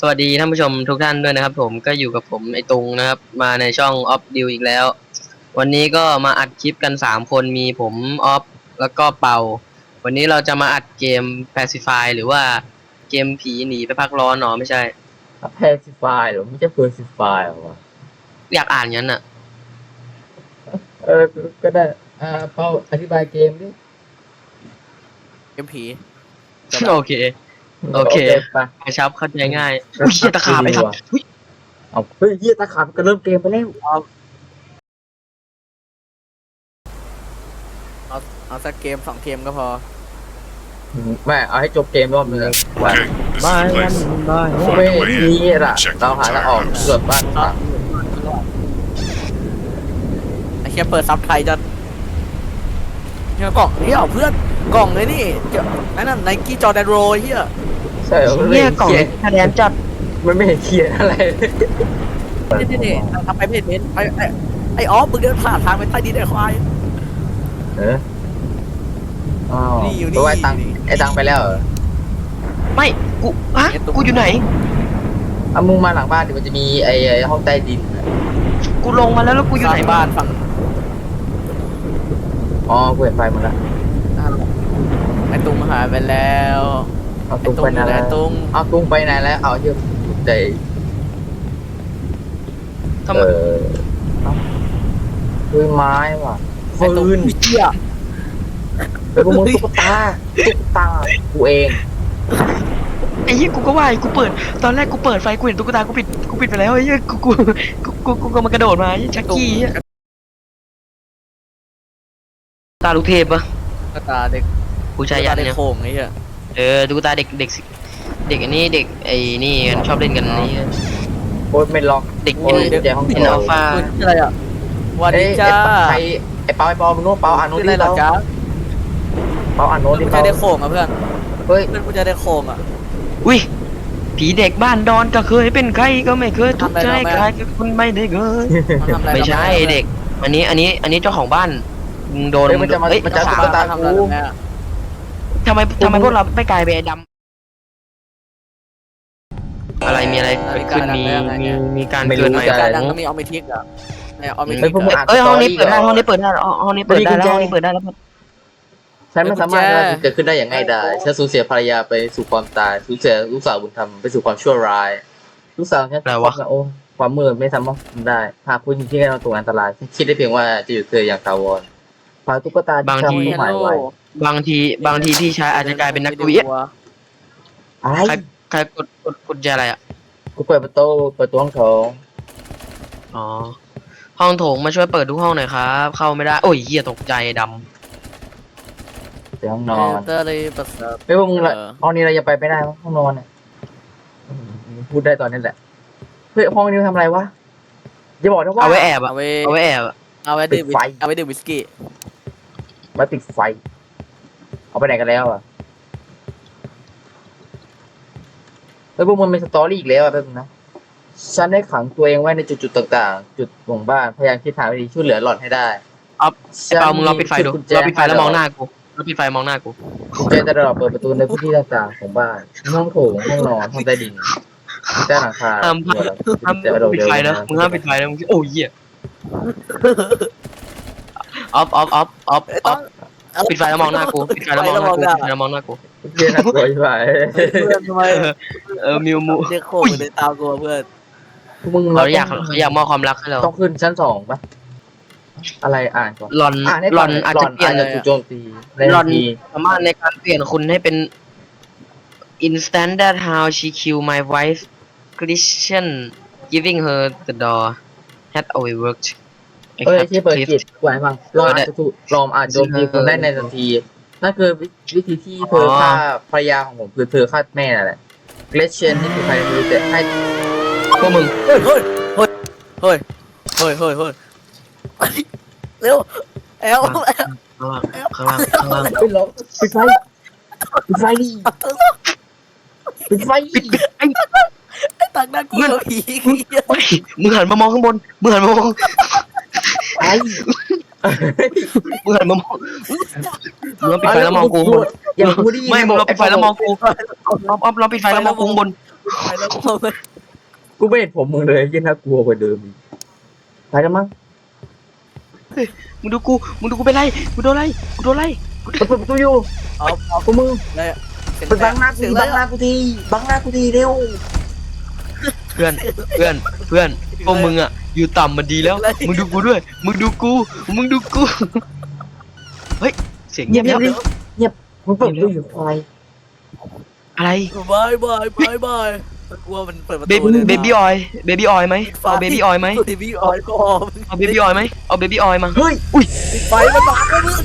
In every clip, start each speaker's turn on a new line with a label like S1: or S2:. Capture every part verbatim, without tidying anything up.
S1: วัสดีท่านผู้ชมทุกท่านด้วยนะครับผมก็อยู่กับผมไอตุงนะครับมาในช่องออฟดิวอีกแล้ววันนี้ก็มาอัดคลิปกันสามคนมีผมออฟแล้วก็เป่าวันนี้เราจะมาอัดเกม Pacify หรือว่าเกมผีหนีไปพักร้อนหรอไม่ใช่
S2: แพซิฟายหรอไม่ใช่เพอร์ซิฟายหรอวะ
S1: อยากอ่านงั้นอ่ะ
S2: เออก็ได้อ่าเปาอธิบายเกมดิ
S3: เกมผี
S1: โอเคโอเค
S2: ไป
S1: กระชับเข้าใจง่ายอุ้ยเชี่ยตะขาบไอ้สัส
S2: เอาเฮ้ยเยี่ยตะขาบก็เริ่มเกมไปแล้ว
S3: เอาเอาสักเกมสองเกมก็พอ
S2: แม่เอาให้จบเกมรอบนึงวัน
S4: Okay, this
S1: บาย
S4: is the
S1: วัน
S4: place.
S1: บาย
S2: เว้ยนี่แหละเราหาทางออกเกือบบ้านพัง
S3: ไอ้แค่เปิดซับไทยจะเนี่ยกล่องนี่เอาเพื่อนกล่องเลยนี่เจ้านั่นน่ะไนกี้จอแดนโรเฮีย
S2: ใช่มันไม่
S1: เนี่ย
S2: เห็น
S1: กล่อง
S2: เขียน
S1: คะแนนจัด
S2: มันไม่เห็นเขียนอะไร
S3: นี่นี่นี่ทำไปไม่เห็นไอ้ไอ้ไอ้ออฟมึงเดินผ่านทางไปใต้ดินไอ้ควาย
S2: เอออ๋อ
S3: นี่อยู่นี่
S2: ตัวไอ้ตังไอ้ตังไปแล้วเหรอ
S1: ไม่กูฮะกูอยู่ไหน
S2: เอามึงมาหลังบ้านดิมันจะมีไอ้ไอ้ห้องใต้ดิน
S1: กูลงมาแล้วแล้วกูอยู่ไหน
S3: บ้านฝั่ง
S2: อ๋อกูเห็นไฟหมดแล้ว
S3: ไอ้ตุ้งหายไปแล้ว
S2: เอา
S3: ไอ้
S2: ตุ้ง
S3: ตุ้
S2: ไป
S3: ง
S2: ไหน
S3: ไอ้
S2: แล้ว
S3: ตุ้ง
S2: เอาตุ้งไปไหนแล้วเอาเยอะใจ
S1: ทำไม
S2: เออคือไม้ว่ะ
S3: ไอ้ตุ้ง
S2: ฟืน
S3: เฮีย
S2: เป็นพวกมึงตุ๊กตาตุ๊กตากูเอง
S1: ไอ้เหี้ยกูก็ว่ากูเปิดตอนแรกกูเปิดไฟกูเห็นตุ๊กตากูปิดกูปิดไปแล้วไอ้เหี้ยกูกูกูกูกูก็มันกระโดดมาไอ้ชักกี้ตาลูกเทพปะ
S3: ตุ๊กตาเด็ก
S1: ผู้ชายยัน
S3: เด็ก
S1: เนี่ย
S3: โข่งไอ้เหี้ย
S1: เออตุ๊กตาเด็กเด็กเด็กอันนี้เด็กไอ้นี่กันชอบเล่นกันนี่
S2: โคตรไม่ล็อก
S1: เด็ก
S2: โอ้
S1: เอ็น
S2: ยใจห้อง
S1: เอ็น
S2: โถ
S1: อัลฟา
S3: คุณชื่ออะไรอ่ะวัน
S2: เอ้
S3: นี้
S2: ย
S3: จ้า
S2: ไอ้ไอ้เปาไอ้เปามึงรู้เปาอ่านโน้ต
S3: ชื่อ
S2: ดิ
S3: อะไรหรอ
S2: เปา
S3: จ้า
S2: เปาอ่านโน้ตดิ
S3: กูจะ
S2: เปา
S3: ได้โข่งอ่ะเพื่อน
S2: เฮ้ย
S3: เพื่อนกูจะได้โข่งอ่ะ
S1: อุ้ยผีเด็กบ้านดอนก็เคยเป็นใครก็ไม่เคยทุกข์ใจใครก็คุณไม่ได้เคย
S3: มันทำอะไร
S1: ไม่ใช่เด็ก อันนี้อันนี้อันนี้เจ้าของบ้านมึงโดน
S2: เฮ้ยมันจะมา
S1: เอ้ย
S2: มันจะ
S1: สา
S2: ตุ๊
S1: ว
S2: กตา
S3: ทำอะไร
S2: กู
S3: แม่
S1: ทำไมทำไมพวกเราไม่กลายเป็นไอ้ดำอะไรมีอะไรเกิดขึ้นมีมีมีการเกิดใหม่
S3: การดังก็มีออมิทิกอ่ะไอออมิ
S2: เฮ้
S3: ทิ
S2: ย
S3: ก
S2: พวกมึงอ่าน
S1: เอ้ย
S2: ส
S1: ห้
S2: ต
S1: อ
S2: อง
S1: นี้
S2: รี่
S1: เปิดได้
S2: เหร
S1: ห้องนี้เปิดได้อ๋อห้องนี้เปิดได้แล้วห้องนี้เปิดได้แล้ว
S2: ฉันไม่สามารถว่าจะเกิดขึ้นได้อย่างง่ายดายฉันสูญเสียภรรยาไปสู่ความตายสูญเสียลูกสาวบุญธรรมไปสู่ความชั่วร้ายลูกสาวฉันโอ้ความมืดไม่สามารถทำได้หากคุณที่กำลังตกอันตรายคิดได้เพียงว่าจะอยู่เธออย่างถาวรพาตุ๊กตาที่ทำให้หมายไว้
S1: บางทีบางทีพี่ชายอาจจะกลายเป็นนักวิทย์
S2: อะไร
S1: ใครใครกดกดกดแจอะไรอ่ะ
S2: กูเปิดประตูเปิดตัวห้องโถง
S1: อ๋อห้องโถงมาช่วยเปิดทุกห้องหน่อยครับ เข้าไม่ได้โอ้ยเหี้ยตกใจด
S2: เดี๋ยวห้องน
S3: น
S2: อ
S3: อน นเตอร์เลยประเสริฐ
S2: ไม่ว่ามึงละห้องนี้เราจะไปไม่ได้วะห้องนอนเนี่ยพูดได้ตอนนี้แหละเฮ้ยห้องนี้ทำอะไรวะอย่าบอกนะ
S1: ำ
S2: ว่า
S1: เอาไว้แอบอ่ะ
S3: เอาไว้
S1: เอาไว้แอบอะ
S3: เอาไว้ดื่มเอาไว้ดื่มวิสกี้
S2: มาติดไฟเอาไปไหนกันแล้วอ่ะเฮ้ยพวกมึงเป็นสตอรี่อีกแล้วอ่ะแป๊บนึงนะฉันได้ขังตัวเองไว้ในจุดๆต่างๆ จุดของบ้านพยายามคิดทางวิธีช่วยเหลือหล่อนให้ได้
S1: เอาไอ้เปามึงรอปิดไฟดูรอปิดไฟแล้วมองหน้ากูรอปิดไฟมองหน้ากู
S2: กุญแจจะรอเปิดประตูในพื้นที่ต่างๆของบ้านห้องโถงห้องนอนห้องใต้ดินใต้หลังคา
S1: ห้ามห้ามปิดไฟนะมึงห้ามปิดไฟนะมึงโอ้ยเหี้ยออฟออฟออฟออฟออฟปิดไฟแล้วมองหน้ากูปิดไฟแล้วมองหน้ากูปิดไฟแล้วมองหน้ากู
S2: เย็นน่ากลัวใช่ไหม
S3: เพื่อนทำไม
S1: เออมิวมู
S3: เด็กโข่งเดินตามกูเพื่อน
S2: พวกมึง
S1: เขาอยากเขาอยากมอบความรักให้เรา
S2: ต้องขึ้นชั้นสองปะอะไรอ่านก่อน
S1: หลอน
S2: อ่านให้
S1: หล
S2: ก่
S1: อนอาจจะเปลี่ยน
S2: หจะถูกโจมตีใน
S1: หล
S2: ทั
S1: อน
S2: นที
S1: สามารถในการเปลี่ยนคุณให้เป็น instant that how she killed my wife Christian giving her the door had always worked
S2: เอ้ยที่เปิดจิตกวายฟังเราอาจจะถูกลอมอาจโจมตีคนได้ในทันทีนั่นคือวิธีที่เธอฆ่าภรรยาของผมคือเธอฆ่าแม่นั่นแหละเกรเชนนี่คือใครไม่รู้แต่ให้
S1: พวกมึง
S3: เฮ้ยเฮ้ยเฮ้ยเฮ้ยเฮ้ยเฮ้ยเฮ้ยเร็วแอล
S1: ข้างล่างข้างล่างข้างล่าง
S2: ไปลบปิดไฟปิดไฟดิปิดไฟ
S1: ปิดปิดไอ้
S3: ไอ้ตังนั่นกูผี
S1: เฮ้ยมึงหันมามองข้างบนมึงหันมามอง
S2: ไอ้
S1: มึงหันมามองมึงปิดไฟแล้วมองกู
S2: อย่าพูดดิ
S1: ไม่มึงเราปิดไฟแล้วมองกูออฟออฟเราปิดไฟแล้วมองกูข้างบน
S3: ไปแล้วพอเลย
S2: กูไม่เห็นผมมึงเลยยิ่งน่ากลัวกว่าเดิมอีกไปแล้วมั้ง
S1: มึงดูกูมึงดูกูเป็นไรกูโดนไรกูโดนไร
S2: เปิดประตูอยู่
S3: เอาเอา
S2: กูมึง
S3: เลย
S2: ไปบังหน้ากูทีบังหน้ากูทีบังหน้ากูทีเร็ว
S1: เพื่อนเพื่อนเพื่อนพวกมึงอ่ะอยู่ต่ำมันดีแล้ว มึงดูกูด้วยมึงดูกูมึงดูกูเฮ้ยเสียง
S2: เงี
S1: เงี
S2: ย
S1: ย
S2: บบ เงี
S1: เงี
S2: ย
S1: ย
S2: บบ เงียบมึงเปิดประตูอยู่ควาย
S1: อะไร
S3: บายบายบายบายกลัวมันเปิดประ
S1: เบ
S3: ตูเลย
S1: เบบี้ออยเบบี้ออยไหมเอาเบบี้ออยไหม
S3: เบบี้ออยก็
S1: เอาเบบี้ออยไหมเอาเบบี้ออยมา
S2: เฮ้ย
S3: ปิดไฟมันบาดแล้วมึง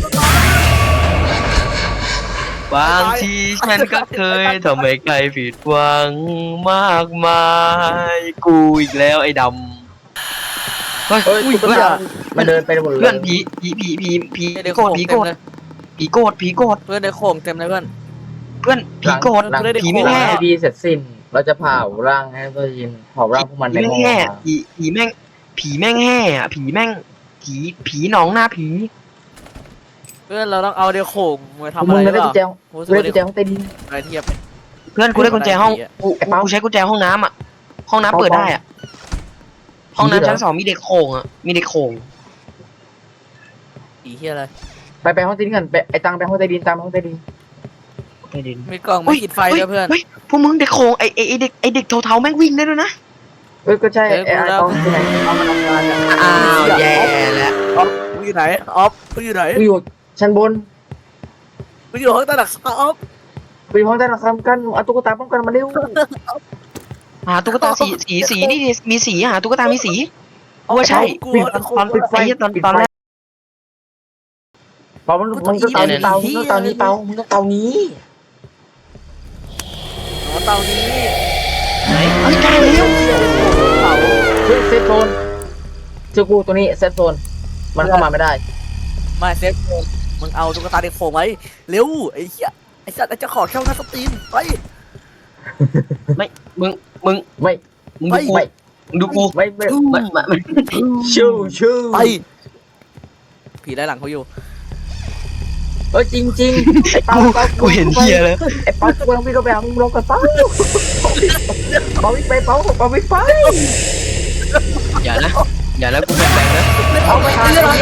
S1: บางทีฉันก็เคยทำให้ใครผิดหวังมากมายกูอีกแล้วไอ้ดำเฮ้ย
S2: เฮ้ย
S1: อุ้ย
S2: ตุ๊ก
S1: เพื่อน
S2: ตามันเดินไปหมดเลย
S1: เพื่อนผีผีผีผีผีโกรธผีโกรธผีโกรธผีโกรธ
S3: เพื่อนในโค้งเต็มเลยเพื่อน
S1: เพื่อนผีโกรธ
S2: หลัง
S1: ผีไม่
S2: หลัง
S1: แห่
S2: ให้ดีเสร็จสิ้น เราจะเผาร่างให้ตัวยินเผาร่างพวกมันใน
S1: ผี
S2: หม้
S1: แม่งแห่
S2: อ
S1: ผีผีแม่งผีแม่งแห่อะผีแม่งผีผีหนองหน้าผี
S3: เพื่อนเราต้องเอาเดี๋ยวโค้งมาทำ
S2: มึ
S3: อะ
S2: ง
S3: ไร
S2: ได้
S3: หรือ
S2: กุญ
S3: เป
S2: แจ
S3: ล่า
S2: กูได้กุญแจห้องใต้ดิน
S3: อะไรเทียบ
S1: เพื่อนกูได้กุญแจห้องกู
S2: ไอ้เปา
S1: กูใช้กุญแจห้องน้ำอ่ะห้องน้ำ
S2: เปา
S1: เปิดได้อ่ะห้อง
S2: ผีเหรอ
S1: น้ำชั้นสองมีเด็กโข่งอ่ะมีเด็กโข่ง
S3: อีเทียอะไร
S2: ไปไปห้องใต้ดินกันไปไอ้ตังไปห้องใต้ดินตามห้องใต้ดิน
S1: ไม่ดิน
S3: มีกล่องมาปิดไฟด้วยเพื่อน
S1: เฮ้ยพวกมึงเด็กโข่งไอไอไอเด็กไอเด็กเทาๆแม่งวิ่งได้ด้วยนะ
S2: เอ้ยก็ใช่
S3: เอ้ย
S2: ไอ้ไอ้
S3: กูแล้ว
S2: ตองที่ไหนเอามาทำงานเนี่ย
S1: อ้าวแย่แล้ว
S3: ออฟมึงอยู่ไหนออฟมึงอยู่ไหน
S2: กูอยู่ชั้นบน
S3: มึงอยู่ห้องใต้หลังคาออฟ
S2: ไปห้องใต้หลังคากันเอาตุ๊กตาป้องกันมาเร็ว
S1: หาตุ๊กตาสีสีสีนี่ดิมีสีหาตุ๊กตามีสีว่าใช่
S3: กลัว
S2: ปิด
S3: นะ
S2: ตอนปิดไฟ
S1: ไอ้เหี้ยตอน
S2: ปิด
S1: ตอน
S2: ไฟ
S1: แรก
S2: เปามันมึงต้องเตานี้เปามึงต้องเตานี้เปามึงต้องเตานี้
S3: อ๋อเตานี้
S1: ไหนเฮ้ยกลายแล้ว
S3: เตา
S2: เฮ้ยเซฟโซนเจอกูตัวนี้เซฟโซนมันเข้ามาไม่ได้
S3: ไม่เซฟมึงเอาตุ๊กตาเด็กโผล่ไว้เร็วไอ้เหี้ยไอ้สัตว์ไอ้เจะขอเข้าหน้าสตรีนไป
S1: มึงมึง
S2: ไม่
S1: มึงดูกู
S2: ไม่
S1: มึงดูกู
S2: ไม่ไม่
S1: ไม่ไม่ไม่
S2: ชู้ชู้
S3: ไปผีไล่หลังเขาอยู่
S2: เออจริงจริงไอ้เปาเปา
S1: กูเห็นเฮียแล้ว
S2: ไอ้เปากูลองวิ่งไปหามึงลองกันเปาเปาวิ่งไปเปาเปาวิ่งไป
S1: อย่านะอย่านะกูแบงนะ
S2: เอาไม่ทันแล้ว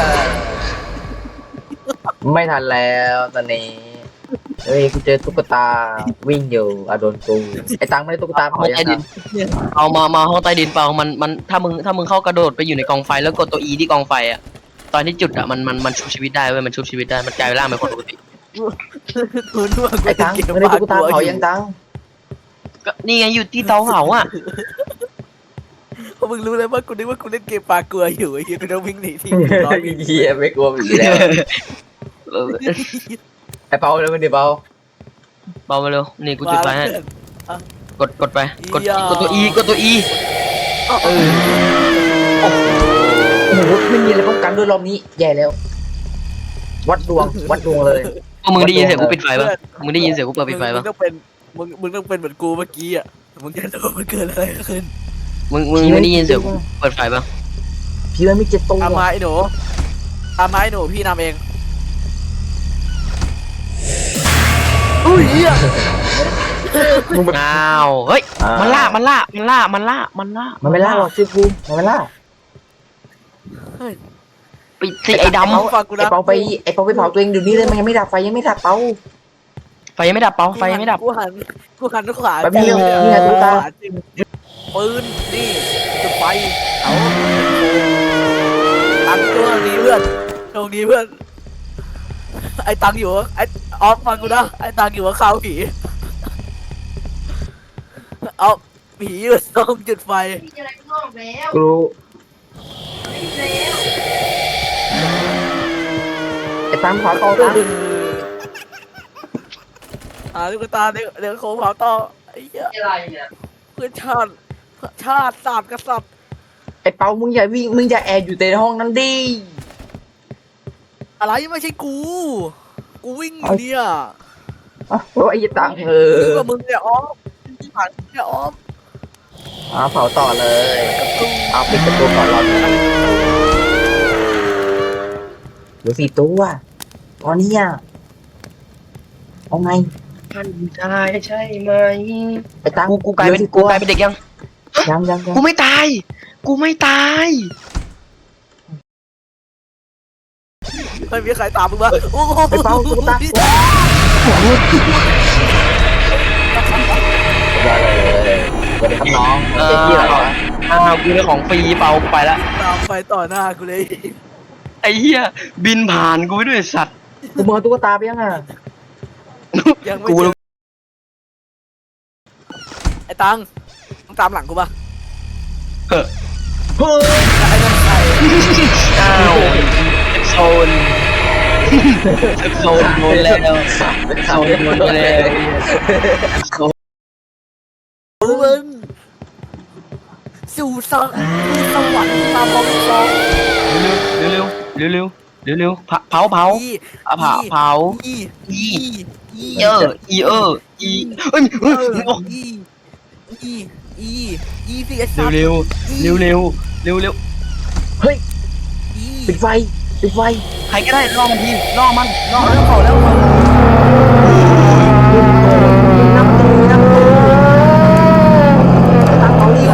S2: ไม่ทันแล้วตอนนี้เฮ้ยกูเจอตุ๊กตาวิ่งอยู่อะโดนกูไอ้ตังไม่ได้ตุ๊กตาเผา
S1: ห้อง
S2: ยัง
S1: ใต้ดิน
S2: ไง
S1: เอามามาห้องใต้ดินเปล่ามันมันถ้ามึงถ้ามึงเข้ากระโดดไปอยู่ในกองไฟแล้วกดตัว E ที่กองไฟอ่ะตอนที่จุดอ่ะมันมันมันชุบชีวิตได้เว้ยมันชุบชีวิตได้มันกลายร่างเป็นคนปกติ
S3: กูนึกว่ากู
S2: ไอ้ตังไม่ได้ตุ๊กตาเผายังตัง
S1: ก็นี่ไงอยู่ที่เตาเผาอ่ะ
S3: เพราะมึงรู้เลยว่ากูนึกว่ากูเล่นเกมปลากลัวอยู่ไอ้เหี้ยกูต้องวิ่งหนีที่ร้อยวิ่ง
S2: เฮียไม่กลัวผีแล้ว
S1: เออ
S2: ไอ้เปาเลยมันดิเปา
S1: เบามาเร็วนี่กูจุดไฟให้กดกดไปกด
S3: อย่าก
S1: ดตัว E กดตัว E เออ
S2: โอ้โหไม่มีอะไรป้องกันด้วยรอบนี้แย่แล้ว วัดดวงวัดดวงเลย
S1: พวกมึงได้ยินเสียงกูปิดไฟปะมึงได้ยินเสียงกูเปิดปิดไฟ
S3: มึ
S1: ปะ
S3: งต้องเป็นมึงมึงต้องเป็นเหมือนกูเมื่อกี้อ่ะมึงจะรู้มันเกิดอะไรขึ้น
S1: มึงมึงไม่ได้ยินเสียงกูเปิดไฟปะ
S2: ผีมันมีเจ็ดตัว
S3: ตามมาไอ้หนูตามมาไอ้หนูพี่นำเองอุ้ยเหี้ย
S2: มึงแบบ
S1: อ้าวเฮ้ยมันล่ามันล่ามันล่ามันล่ามันล่า
S2: มันไม่ล่าหรอกชื่อกูมันไม่ล่า
S1: ปิดสิไอ้ด
S3: ฟังกู
S2: ไอ้
S3: นะ
S2: เปาไปไอ้เปาไปเผาตัวเองเดี๋ยวนี้เลยมันยังไม่ดับไฟยังไม่ดับเปา
S1: ำไฟยังไม่ดับเปล่าไฟยังไม่ดับ
S3: กูหันกูหันขวา
S2: แบบนี้
S3: จริง
S2: นี่ไงตุ๊กตา
S3: ขวจริงปืนนี่จุดไฟเอาตังค์ตัวนี้เพื่อนตรงนี้เพื่อนไอ้ตังค์อยู่ไอ้ออฟฟังกูนะไอ้ตังค์อยู่กับข้าวผีเอาผีอยู่ตรงจุดไฟ
S4: มีอะไรข้างนอกแล้ว
S2: กูรู้
S4: มีแล้ว
S2: ไอ้ตามขวาต่อตาม
S3: หาลูกตาเดี๋ยวเดี๋ยวโค้งเผาต่อไอ้เหี้ย
S4: อะไรเนี่ย
S3: เพื่อนชาติชาติศาสตร์กษัตริย์
S2: ไอ้เปามึงอย่าวิ่งมึงอย่าแอบอยู่ในห้องนั้นดิ
S3: อะไรไม่ใช่กู กูวิ่งอยู่เนี่ย
S2: อ๋อไอ้ตังเออ
S3: มึงกับมึงเนี่ยออฟที่ผ่านเนี่ยออฟ
S2: อ่าเผาต่อเลยเอาปิดประตูก่อนรอหน่อยเหลือสี่ตัวตอนนี้อ่ะเอาไง
S1: ท่านชายใช่ไหม
S2: ไอ้ตัง
S1: กูกูกลายเป็นกูกลายเป็นเด็กยัง
S2: ยังยังยัง
S1: กูไม่ตาย กูไม่ตาย
S3: ไม่มีใครตามมึงมาโอ้โห
S2: ไอ้เปาตุ๊กตาว่าเลยสวัสดีครับน้อง
S1: เออ
S2: เจ๊กี้เหรอวะ
S1: อ้าวกูได้ของฟรีเปล่าไปละ
S3: ตามไปต่อหน้ากูเลย
S1: ไอ้เหี้ยบินผ่านกูไปด้วยสัตว์
S2: กูมองตุ๊กตาไปยังอ่ะ
S3: ยังไม่
S1: กู
S3: เจอไอ้ตังมึงตามหลังกูปะ
S1: เออ
S2: เฮ้ย
S3: ไอ้นั่นใคร
S1: อ้าวโซนโซนโดนแล้วโซนโดนแล้วโซน
S3: มึงสู่สวรรค์สวรรค์ตามบอลซอง
S1: เร็วเร็วเร็วเร็วเร็วเร็วเผาเผาเผา
S3: อี
S1: เผาเผา
S3: อี
S1: อี
S3: อี
S1: เอออีเอออีเอ้ย
S3: เอ
S1: เอ้ย
S3: ออีอีอีอีสิไอ้สัตว์
S1: เร็วเร็วเร็วเร็วเร็วเร็ว
S2: เฮ้ย
S3: อี
S2: ปิดไฟปิดไฟ
S1: ใครก็ได้ล่อมันทีล่อมันล่อ
S3: เอา
S1: มัน
S3: แล้วเขาแล้วเขา
S2: น้ำตูน้ำตูตังเปาลิว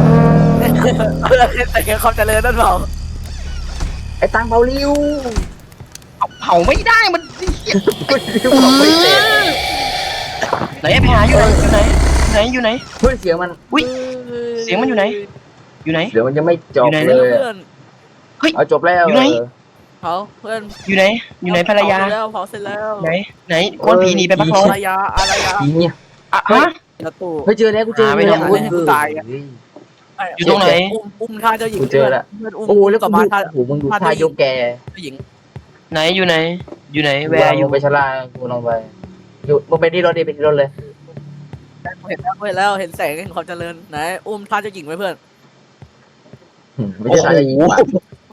S3: แต่เขาจะเลยนั่นเปล่า
S2: ไอ้ตังเปาลิว
S1: เผาไม่ได้มัน
S2: ไม่เสร็จ
S1: ไหนไอ้แผลอยู่ไหนอยู่ไหนอยู่ไหน
S2: เฮ้ยเสียงมัน
S1: อุ้ยเสียงมันอยู่ไหน อยู่ไหน
S2: เดี๋ยวมันยังไม่จบ
S1: อยู่ไหน
S2: เลย
S3: เพื่อน
S2: เอาจบแล้ว
S1: อยู่ไหน
S3: เผาเพื่อน
S1: อยู่ไหน อยู่ไหนภรรยา
S3: เผเสจแล้วเผาเสร็จแล้ว
S1: ไหนไหนก้นผีหนีไปพักร้อ
S3: ภ
S1: น
S3: รรยาอะไรยา
S2: ผีเนี่ย
S1: อ่ะฮะ
S3: ประตู
S2: เฮ้ยเจอแล้วกูเจอ
S1: หาไม่
S2: แล้ว
S1: ได้
S2: โอ้ย
S3: ให้กูตายอะ
S1: อยู่ตรงไหน
S3: อุ้มอุ้มท่าเจ้าหญิง
S2: กูเจอแล้ว
S3: เพื่อนอุ้ม
S2: โอ้แล้ว
S3: ต่
S2: กู
S3: อมา
S2: ดู
S3: ท่า
S2: โอ้โหมึงดูท่ายกแก
S3: เจ้าหญิง
S1: ไหนอยู่ไหน อยู่ไหนแว
S2: แว
S1: ร์
S2: ร์
S1: อ
S2: อยู่ ยู่ไปชลากูลองไปอยู่มึงไปที่รถดิไปที่รถเลย
S3: เห็นแล้วเห็นแล้วเห็นแสงเห็นความเจริญไหนอุ้มท่าเจ้าหญิงไว้เพื่อน
S2: หืมไม่ใช่ชายหญิงว่ะ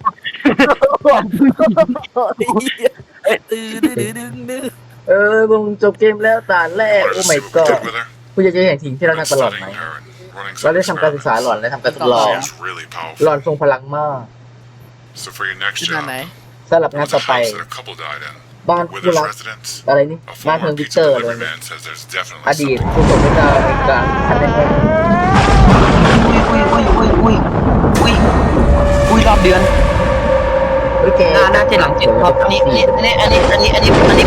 S3: ตื้อดื้อดื้อดึงดื้อ
S2: เออมึงจบเกมแล้วด่านแรก
S5: Wanted
S2: โอ้
S5: to
S2: my
S5: see what we
S2: god
S5: did with her.
S2: กูอยากจะเห็นสิ่งที่เรา
S5: Been
S2: ทำตลอดไหม
S5: studying her and running
S2: เรา
S5: some
S2: ได้ทำการศึกษา
S5: experiments.
S2: หล่อนและทำการทดลอง
S5: She's really
S2: หล่อน
S5: powerful.
S2: ทรงพลังมาก
S5: So for your next
S3: ขึ้นมาไหน
S5: job,
S2: สำหรับ
S5: there
S2: งาน
S5: was
S2: ต่อ
S5: a
S2: ไป
S5: house that a couple died in.
S2: บ้านคู่
S5: Withers
S2: รัก
S5: residents.
S2: อะไรนี่
S5: A
S2: บ้านเทิง
S5: former
S2: วิก
S5: pizza
S2: เตอร์อะไร
S5: delivery
S2: เนี่ย
S5: man says there's definitely
S2: อดีต
S5: something.
S2: ผู้สมเป็นดาวในการทำในห้อง
S1: อุ้ยอุ้ยอุ้ยอุ้ยอุ้ยอุ้ยรอบเดือน
S2: เฮ้ยแก
S1: หน้าหน้าเจ็ดหลังเจ็ดรอบอันนี้อันนี้อันนี้อันนี้อันนี้อันนี้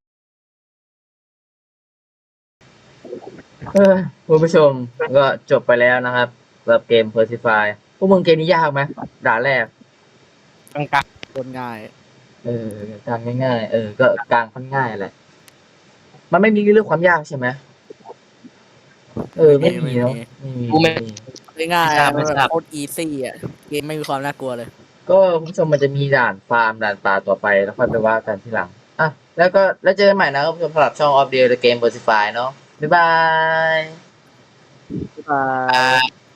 S2: เออคุณผู้ชมก็จบไปแล้วนะครับสำหรับเกม Persify พวกมึงเกมนี้ยากไหมด่านแรก
S1: กลางกลาง
S3: โดนง่าย
S2: เออกลางง่ายๆ เออ ก็กลางค่อนง่ายแหละ มันไม่มีเรื่องความยากใช่ไหมเออ ไม่มีเนาะไม่มีไม่มี
S3: ง่ายๆมันแบบโคตรอีซี่อ่ะเกมไม่มีความน่ากลัวเลย
S2: ก็คุณผู้ชมมันจะมีด่านฟาร์มด่านป่าต่อไปแล้วค่อยไปว่ากันทีหลัง อ่ะ แล้วก็แล้วเจอกันใหม่นะครับคุณผู้ชมสำหรับช่อง of the game Versify เนาะ บ๊ายบาย
S3: อ่า